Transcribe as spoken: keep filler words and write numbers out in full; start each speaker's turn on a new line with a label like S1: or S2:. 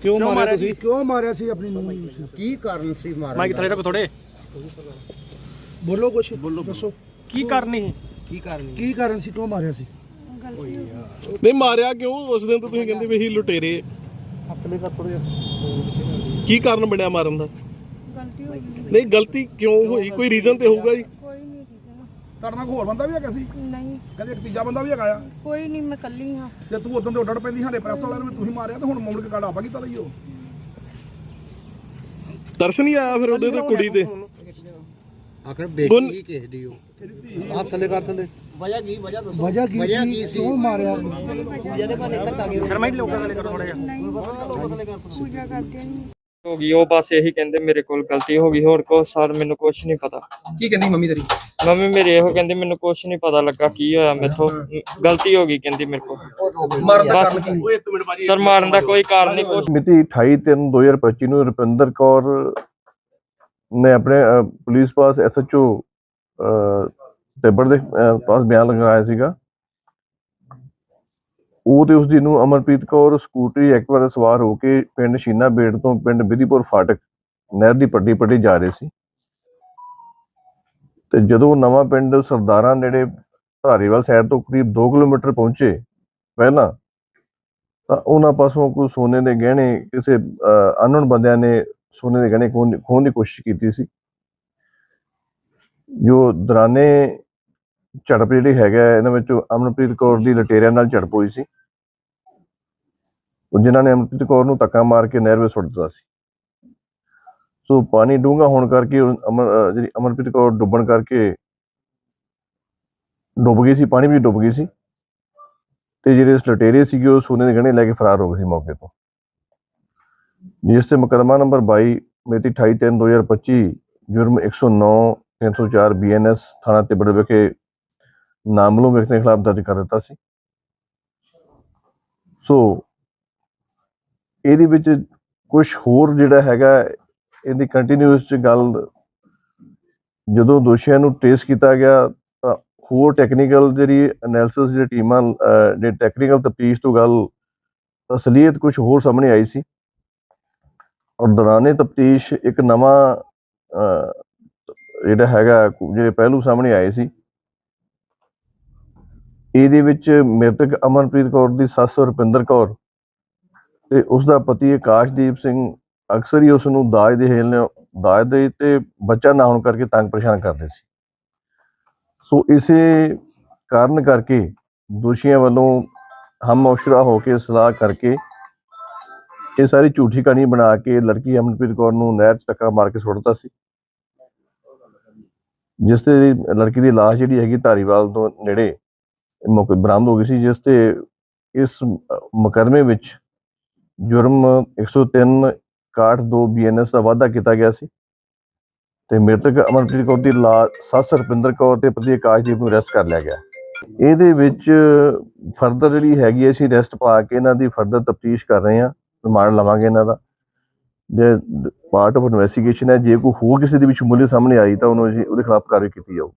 S1: ਕਿਉਂ ਮਾਰਿਆ ਤੁਸੀਂ?
S2: ਕਿਉਂ ਮਾਰਿਆ ਸੀ ਆਪਣੀ ਨੂੰਹ ਨੂੰ?
S3: ਕੀ ਕਾਰਨ ਸੀ ਮਾਰਨ
S1: ਮਾਈਕ ਥੱਲੇ ਰੱਖੋ ਥੋੜੇ।
S2: ਬੋਲੋ ਕੁਛ, ਬੋਲੋ ਦੱਸੋ
S1: ਕੀ ਕਰਨੀ ਸੀ?
S3: ਕੀ ਕਾਰਨ
S2: ਕੀ ਕਾਰਨ ਸੀ, ਕਿਉਂ ਮਾਰਿਆ ਸੀ?
S4: ਨਹੀਂ ਮਾਰਿਆ ਕਿਉਂ? ਉਸ ਦਿਨ ਤਾਂ ਤੁਸੀਂ ਕਹਿੰਦੇ ਵੀ ਅਸੀਂ ਲੁਟੇਰੇ।
S2: ਹੱਥ ਲੈ ਕਰ ਥੋੜਾ ਜਿਹਾ।
S4: ਕੀ ਕਾਰਨ ਬਣਿਆ ਮਾਰਨ ਦਾ?
S5: ਗਲਤੀ ਹੋ ਗਈ।
S4: ਨਹੀਂ ਗਲਤੀ ਕਿਉਂ ਹੋਈ? ਕੋਈ ਰੀਜ਼ਨ ਤੇ ਹੋਊਗਾ ਜੀ।
S5: ਕੋਈ ਨਹੀਂ ਰੀਜ਼ਨ।
S6: ਤੁਹਾਡੇ ਨਾਲ ਹੋਰ ਬੰਦਾ ਵੀ ਹੈਗਾ ਸੀ?
S5: ਨਹੀਂ
S6: ਕਹਿੰਦੇ ਇੱਕ ਤੀਜਾ ਬੰਦਾ ਵੀ ਹੈਗਾ ਆ।
S5: ਕੋਈ ਨਹੀਂ, ਮੈਂ ਕੱਲੀ ਹਾਂ।
S6: ਜੇ ਤੂੰ ਉਦੋਂ ਤੇ ਉੱਡੜ ਪੈਂਦੀ ਸਾਡੇ ਪ੍ਰੈਸ ਵਾਲਿਆਂ ਨੂੰ ਤੁਸੀਂ ਮਾਰਿਆ ਤੇ ਹੁਣ ਮੁੜ ਕੇ ਕਾੜਾ ਆਪਾਂ ਕੀਤਾ ਲਈ ਉਹ
S4: ਦਰਸ਼ਨ ਹੀ ਆਇਆ ਫਿਰ ਉਹਦੇ ਤੇ ਕੁੜੀ ਤੇ।
S3: ਆਖਰ ਬੇਟੀ ਹੀ ਕਿਸੇ ਦੀ ਉਹ
S2: ਹੱਥ ਥੱਲੇ ਕਰ ਥੱਲੇ।
S3: ਵਜ੍ਹਾ ਕੀ ਵਜ੍ਹਾ ਦੱਸੋ
S2: ਵਜ੍ਹਾ ਕੀ
S3: ਵਜ੍ਹਾ
S2: ਸੀ?
S3: ਕੀ ਸੀ?
S2: ਕਿਉਂ ਮਾਰਿਆ?
S3: ਜਿਹਦੇ ਬਾਰੇ ਧੱਕਾ ਗਿਆ
S1: ਫਿਰ ਮਾਈਕ ਲੋਕਾਂ ਥੱਲੇ ਕਰੋ ਥੋੜਾ ਜਿਹਾ।
S5: ਪੂਜਾ ਕਰਦੇ ਨਹੀਂ।
S7: ਹੋ ਗਈ ਉਹ ਬਸ ਇਹੀ ਕਹਿੰਦੇ ਮੇਰੇ ਕੋਲ ਗਲਤੀ ਹੋ ਗਈ, ਹੋਰ ਕੁਛ ਸਰ ਮੈਨੂੰ ਕੁਛ ਨਹੀਂ ਪਤਾ।
S8: ਕੀ ਕਹਿੰਦੀ ਮੰਮੀ ਤੇਰੀ?
S7: ਮੰਮੀ ਮੇਰੀ ਇਹੋ ਕਹਿੰਦੀ ਮੈਨੂੰ ਕੁਛ ਨਹੀਂ ਪਤਾ ਲੱਗਾ ਕੀ ਹੋਇਆ, ਮੈਥੋਂ ਗਲਤੀ ਹੋ ਗਈ ਕਹਿੰਦੀ ਮੇਰੇ ਕੋਲ।
S8: ਮਾਰਨ ਦਾ
S7: ਬਸ
S8: ਕਾਰਨ ਕੀ?
S7: ਸਰ ਮਾਰਨ ਦਾ ਕੋਈ ਕਾਰਨ ਨਹੀਂ ਕੁਛ।
S9: ਮਿਤੀ ਅਠਾਈ ਤਿੰਨ ਦੋ ਹਜ਼ਾਰ ਪੱਚੀ ਨੂੰ ਰੁਪਿੰਦਰ ਕੌਰ ਨੇ ਆਪਣੇ ਅਹ, ਪੁਲਿਸ ਪਾਸ ਐਸ ਐਚ ਓ ਤਿੱਬੜ ਦੇ ਅਹ, ਪਾਸ ਬਿਆਨ ਲਗਾਇਆ ਸੀਗਾ। ਉਹ ਤੇ ਉਸਦੀ ਨੂੰ ਅਮਰਪ੍ਰੀਤ ਕੌਰ ਸਕੂਟਰੀ ਐਕਟਿਵਾ ਤੇ ਸਵਾਰ ਹੋ ਕੇ ਪਿੰਡ ਸ਼ੀਨਾ ਬੇੜ ਤੋਂ ਪਿੰਡ ਬਿਧੀਪੁਰ ਫਾਟਕ ਨਹਿਰ ਦੀ ਪੱਟੀ ਪੱਟੀ ਜਾ ਰਹੇ ਸੀ ਤੇ ਜਦੋਂ ਨਵਾਂ ਪਿੰਡ ਸਰਦਾਰਾਂ ਨੇੜੇ ਧਾਰੀਵਾਲ ਸਾਈਡ ਤੋਂ ਕਰੀਬ ਦੋ ਕਿਲੋਮੀਟਰ ਪਹੁੰਚੇ ਪਹਿਲਾਂ ਤਾਂ ਉਹਨਾਂ ਪਾਸੋਂ ਕੋਈ ਸੋਨੇ ਦੇ ਗਹਿਣੇ ਕਿਸੇ ਅਨਨੋਨ ਬੰਦਿਆਂ ਨੇ ਸੋਨੇ ਦੇ ਗਹਿਣੇ ਖੋਹਣ ਖੋਹਣ ਦੀ ਕੋਸ਼ਿਸ਼ ਕੀਤੀ ਸੀ। ਜੋ ਦੌਰਾਨੇ ਝੜਪ ਜਿਹੜੀ ਹੈਗਾ ਇਹਨਾਂ ਵਿੱਚ ਅਮਨਪ੍ਰੀਤ ਕੌਰ ਦੀ ਲਟੇਰਿਆਂ ਨਾਲ ਝੜਪ ਹੋਈ ਸੀ, ਜਿਨ੍ਹਾਂ ਨੇ ਅਮਨਪ੍ਰੀਤ ਕੌਰ ਨੂੰ ਧੱਕਾ ਮਾਰ ਕੇ ਨਹਿਰ ਵਿੱਚ ਸੁੱਟ ਦਿੱਤਾ ਸੀ। ਸੋ ਪਾਣੀ ਡੂੰਘਾ ਹੋਣ ਕਰਕੇ ਅਮਰ ਜਿਹੜੀ ਅਮਨਪ੍ਰੀਤ ਕੌਰ ਡੁੱਬਣ ਕਰਕੇ ਡੁੱਬ ਗਈ ਸੀ, ਪਾਣੀ ਵਿੱਚ ਡੁੱਬ ਗਈ ਸੀ ਤੇ ਜਿਹੜੇ ਲਟੇਰੇ ਸੀਗੇ ਉਹ ਸੋਨੇ ਦੇ ਗਹਿਣੇ ਲੈ ਕੇ ਫਰਾਰ ਹੋ ਗਏ ਸੀ ਮੌਕੇ ਤੋਂ, ਜਿਸ ਤੇ ਮੁਕੱਦਮਾ ਨੰਬਰ ਬਾਈ ਮਿਤੀ ਅਠਾਈ ਤਿੰਨ ਦੋ ਹਜ਼ਾਰ ਪੱਚੀ ਜੁਰਮ ਇੱਕ ਸੌ ਨੌ ਤਿੰਨ ਸੌ ਚਾਰ ਬੀ ਐਨ ਐਸ ਥਾਣਾ ਤਿੱਬੜ ਵਿਖੇ ਨਾਮਲੂਮ ਵਿਅਕਤੀ ਦੇ ਖਿਲਾਫ ਦਰਜ ਕਰ ਦਿੱਤਾ ਸੀ। ਸੋ ਇਹਦੇ ਵਿੱਚ ਕੁਝ ਹੋਰ ਜਿਹੜਾ ਹੈਗਾ ਇਹਦੀ ਕੰਟੀਨਿਊਸ ਚ ਗੱਲ, ਜਦੋਂ ਦੋਸ਼ੀਆਂ ਨੂੰ ਟ੍ਰੇਸ ਕੀਤਾ ਗਿਆ ਤਾਂ ਹੋਰ ਟੈਕਨੀਕਲ ਜਿਹੜੀ ਐਨਾਲਿਸਿਸ ਜਿਹੜੀ ਟੀਮਾਂ ਜਿਹੜੇ ਟੈਕਨੀਕਲ ਤਫਤੀਸ਼ ਤੋਂ ਗੱਲ ਅਸਲੀਅਤ ਕੁਝ ਹੋਰ ਸਾਹਮਣੇ ਆਈ ਸੀ ਔਰ ਦੌਰਾਨੇ ਤਫਤੀਸ਼ ਇੱਕ ਨਵਾਂ ਜਿਹੜਾ ਹੈਗਾ ਜਿਹੜੇ ਪਹਿਲੂ ਸਾਹਮਣੇ ਆਏ ਸੀ। ਇਹਦੇ ਵਿੱਚ ਮ੍ਰਿਤਕ ਅਮਨਪ੍ਰੀਤ ਕੌਰ ਦੀ ਸੱਸ ਰੁਪਿੰਦਰ ਕੌਰ ਤੇ ਉਸਦਾ ਪਤੀ ਆਕਾਸ਼ਦੀਪ ਸਿੰਘ ਅਕਸਰ ਹੀ ਉਸ ਨੂੰ ਦਾਜ ਦੇ ਹੇਲ ਦਾਜ ਦੇ ਤੇ ਬੱਚਾ ਨਾ ਹੋਣ ਕਰਕੇ ਤੰਗ ਪਰੇਸ਼ਾਨ ਕਰਦੇ ਸੀ। ਸੋ ਇਸੇ ਕਾਰਨ ਕਰਕੇ ਦੋਸ਼ੀਆਂ ਵੱਲੋਂ ਹਮ ਮੁਸ਼ਰਾ ਹੋ ਕੇ ਸਲਾਹ ਕਰਕੇ ਇਹ ਸਾਰੀ ਝੂਠੀ ਕਹਾਣੀ ਬਣਾ ਕੇ ਲੜਕੀ ਅਮਨਪ੍ਰੀਤ ਕੌਰ ਨੂੰ ਨਹਿਰ 'ਚ ਧੱਕਾ ਮਾਰ ਕੇ ਸੁੱਟ ਦਿੱਤਾ ਸੀ, ਜਿਸ ਤੇ ਲੜਕੀ ਦੀ ਲਾਸ਼ ਜਿਹੜੀ ਹੈਗੀ ਧਾਰੀਵਾਲ ਤੋਂ ਨੇੜੇ ਮੌਕੇ ਬਰਾਮਦ ਹੋ ਗਈ ਸੀ, ਜਿਸ ਤੇ ਇਸ ਮੁਕੱਦਮੇ ਵਿੱਚ ਜੁਰਮ ਇੱਕ ਸੌ ਤਿੰਨ ਇਕਾਹਠ ਦੋ ਬੀ ਐਨ ਐਸ ਦਾ ਵਾਧਾ ਕੀਤਾ ਗਿਆ ਸੀ ਤੇ ਮ੍ਰਿਤਕ ਅਮਨਪ੍ਰੀਤ ਕੌਰ ਦੀ ਲਾਸ਼ ਸੱਸ ਰੁਪਿੰਦਰ ਕੌਰ ਤੇ ਪਤੀ ਆਕਾਸ਼ਦੀਪ ਨੂੰ ਅਰੈਸਟ ਕਰ ਲਿਆ ਗਿਆ। ਇਹਦੇ ਵਿੱਚ ਫਰਦਰ ਜਿਹੜੀ ਹੈਗੀ ਅਸੀਂ ਅਰੈਸਟ ਪਾ ਕੇ ਇਹਨਾਂ ਦੀ ਫਰਦਰ ਤਫਤੀਸ਼ ਕਰ ਰਹੇ ਹਾਂ, ਰਿਮਾਂਡ ਲਵਾਂਗੇ ਇਹਨਾਂ ਦਾ, ਜੇ ਪਾਰਟ ਆਫ ਇਨਵੈਸਟੀਗੇਸ਼ਨ ਹੈ। ਜੇ ਕੋਈ ਹੋਰ ਕਿਸੇ ਦੇ ਵਿੱਚ ਸ਼ਮੂਲੀਅਤ ਸਾਹਮਣੇ ਆਈ ਤਾਂ ਉਹਨੂੰ ਉਹਦੇ ਖਿਲਾਫ ਕਾਰਵਾਈ ਕੀਤੀ ਜਾਊ।